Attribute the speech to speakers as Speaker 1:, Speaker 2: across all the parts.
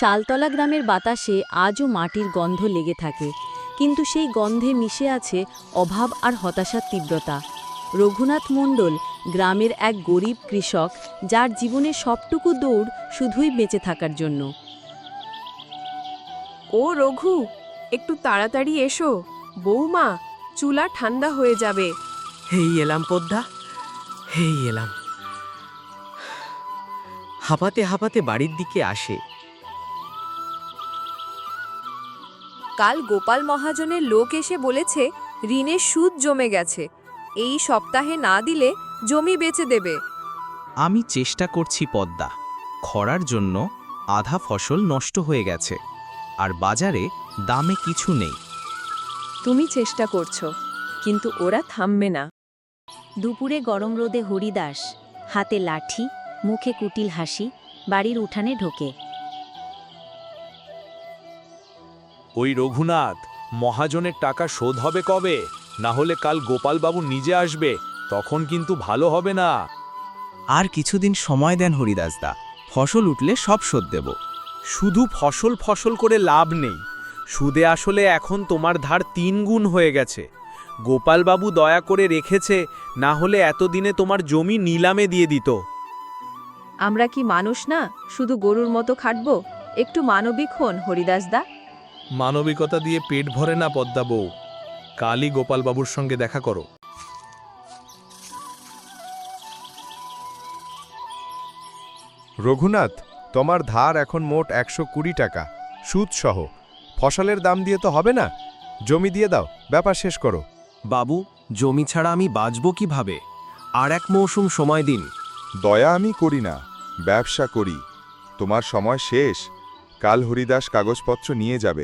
Speaker 1: শালতলা গ্রামের বাতাসে আজও মাটির গন্ধ লেগে থাকে, কিন্তু সেই গন্ধে মিশে আছে অভাব আর হতাশার তীব্রতা। রঘুনাথ মণ্ডল গ্রামের এক গরিব কৃষক, যার জীবনে সবটুকু দৌড় শুধুই বেঁচে থাকার জন্য।
Speaker 2: ও রঘু, একটু তাড়াতাড়ি এসো, বৌমা, চুলা ঠান্ডা হয়ে যাবে।
Speaker 3: হেই এলাম পদ্মা, হেই এলাম। হাঁপাতে হাঁপাতে বাড়ির দিকে আসে।
Speaker 2: কাল গোপাল মহাজনের লোক এসে বলেছে ঋণের সুদ জমে গেছে, এই সপ্তাহে না দিলে জমি বেচে দেবে।
Speaker 4: আমি চেষ্টা করছি পদ্মা, খরার জন্য আধা ফসল নষ্ট হয়ে গেছে, আর বাজারে দামে কিছু নেই।
Speaker 2: তুমি চেষ্টা করছো, কিন্তু ওরা থামবে না।
Speaker 1: দুপুরে গরম রোদে হরিদাস, হাতে লাঠি, মুখে কুটিল হাসি, বাড়ির উঠানে ঢোকে।
Speaker 5: ওই রঘুনাথ, মহাজনের টাকা শোধ হবে কবে? না হলে কাল গোপালবাবু নিজে আসবে, তখন কিন্তু ভালো হবে না।
Speaker 4: আর কিছুদিন সময় দেন হরিদাসদা, ফসল উঠলে সব শোধ দেব।
Speaker 3: শুধু ফসল ফসল করে লাভ নেই, সুদে আসলে এখন তোমার ধার 3 গুণ হয়ে গেছে। গোপালবাবু দয়া করে রেখেছে, না হলে এতদিনে তোমার জমি নিলামে দিয়ে দিত।
Speaker 2: আমরা কি মানুষ না, শুধু গরুর মতো খাটবো? একটু মানবিক হন হরিদাসদা।
Speaker 5: মানবিকতা দিয়ে পেট ভরে না পদ্মা বউ, কালই গোপালবাবুর সঙ্গে দেখা করো।
Speaker 6: রঘুনাথ, তোমার ধার এখন মোট 120 টাকা, সুদসহ। ফসলের দাম দিয়ে তো হবে না, জমি দিয়ে দাও, ব্যাপার শেষ করো।
Speaker 7: বাবু, জমি ছাড়া আমি বাঁচব কিভাবে? আর এক মৌসুম সময় দিন।
Speaker 6: দয়া আমি করি না, ব্যবসা করি। তোমার সময় শেষ, কাল হরিদাস কাগজপত্র নিয়ে যাবে।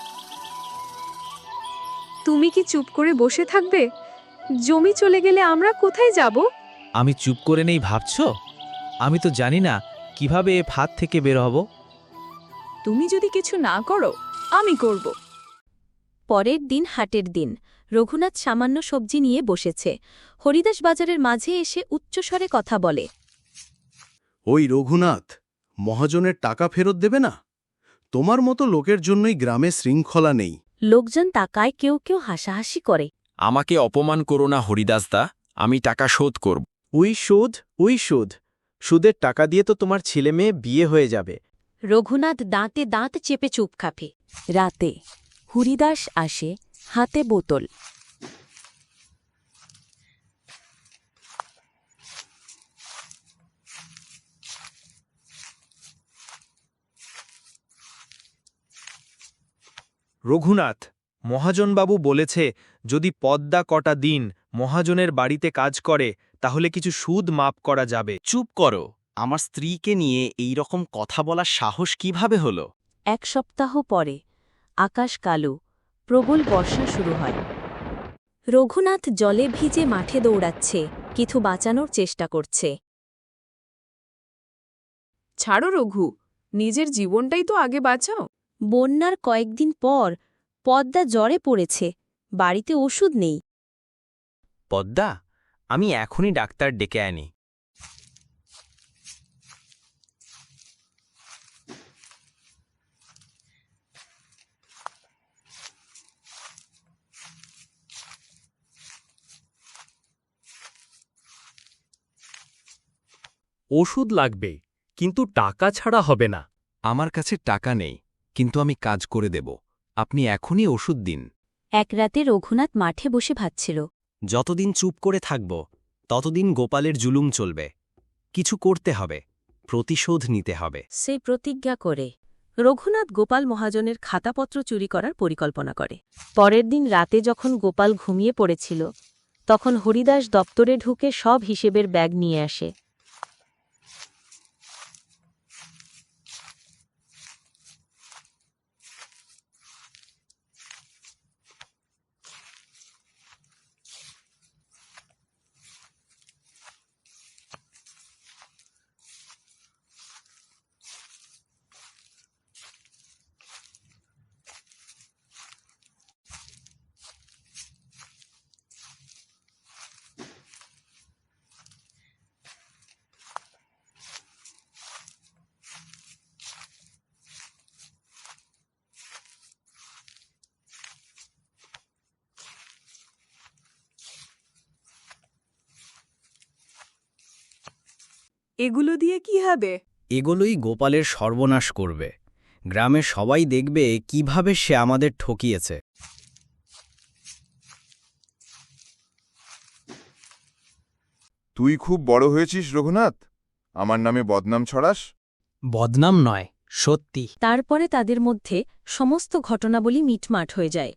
Speaker 2: তুমি কি চুপ করে বসে থাকবে? জমি চলে গেলে আমরা কোথায় যাব?
Speaker 4: আমি চুপ করে নেই ভাবছ? আমি তো জানি না কিভাবে এ ফাঁদ থেকে বের হব।
Speaker 2: তুমি যদি কিছু না করো, আমি করব।
Speaker 1: পরের দিন হাটের দিন। রঘুনাথ সামান্য সবজি নিয়ে বসেছে। হরিদাস বাজারের মাঝে এসে উচ্চস্বরে কথা বলে।
Speaker 7: ওই রঘুনাথ, মহাজনের টাকা ফেরত দেবে না? তোমার মতো লোকের জন্যই গ্রামে শৃঙ্খলা নেই।
Speaker 1: লোকজন তাকায়, কেউ কেউ হাসাহাসি করে।
Speaker 7: আমাকে অপমান করো না হরিদাসদা, আমি টাকা শোধ করব।
Speaker 3: উই সুদ, সুদের টাকা দিয়ে তো তোমার ছেলে মেয়ে বিয়ে হয়ে যাবে।
Speaker 1: রঘুনাথ দাঁতে দাঁত চেপে চুপ খাপে। রাতে হরিদাস আসে, হাতে বোতল।
Speaker 3: রঘুনাথ, মহাজনবাবু বলেছে যদি পদ্মা কটা দিন মহাজনের বাড়িতে কাজ করে তাহলে কিছু সুদ মাপ করা যাবে।
Speaker 4: চুপ করো, আমার স্ত্রীকে নিয়ে এই রকম কথা বলার সাহস কিভাবে হলো?
Speaker 1: 1 সপ্তাহ পরে আকাশ কালো, প্রবল বর্ষা শুরু হয়। রঘুনাথ জলে ভিজে মাঠে দৌড়াচ্ছে, কিছু বাঁচানোর চেষ্টা করছে।
Speaker 2: ছাড়ো রঘু, নিজের জীবনটাই তো আগে বাঁচাও।
Speaker 1: বন্যার কয়েকদিন পর পদ্মা জ্বরে পড়েছে, বাড়িতে ওষুধ নেই।
Speaker 4: পদ্মা, আমি এখনই ডাক্তার ডেকে আনি।
Speaker 5: ওষুধ লাগবে, কিন্তু টাকা ছাড়া হবে না।
Speaker 7: আমার কাছে টাকা নেই, কিন্তু আমি কাজ করে দেব। আপনি এখনই ওষুধ দিন।
Speaker 1: এক রাতে রঘুনাথ মাঠে বসে ভাবছিল।
Speaker 4: যতদিন চুপ করে থাকব ততদিন গোপালের জুলুম চলবে। কিছু করতে হবে, প্রতিশোধ নিতে হবে।
Speaker 1: সে প্রতিজ্ঞা করে রঘুনাথ গোপাল মহাজনের খাতাপত্র চুরি করার পরিকল্পনা করে। পরের দিন রাতে যখন গোপাল ঘুমিয়ে পড়েছিল, তখন হরিদাস দপ্তরে ঢুকে সব হিসেবের ব্যাগ নিয়ে আসে।
Speaker 2: এগুলো দিয়ে কি হবে?
Speaker 8: এগুলোই গোপালের সর্বনাশ করবে। গ্রামের সবাই দেখবে কিভাবে সে আমাদের ঠকিয়েছে।
Speaker 9: তুই খুব বড় হয়েছিস রঘুনাথ, আমার নামে বদনাম ছড়াস।
Speaker 8: বদনাম নয়, সত্যি।
Speaker 1: তারপরে তাদের মধ্যে সমস্ত ঘটনাবলী মিটমাট হয়ে যায়।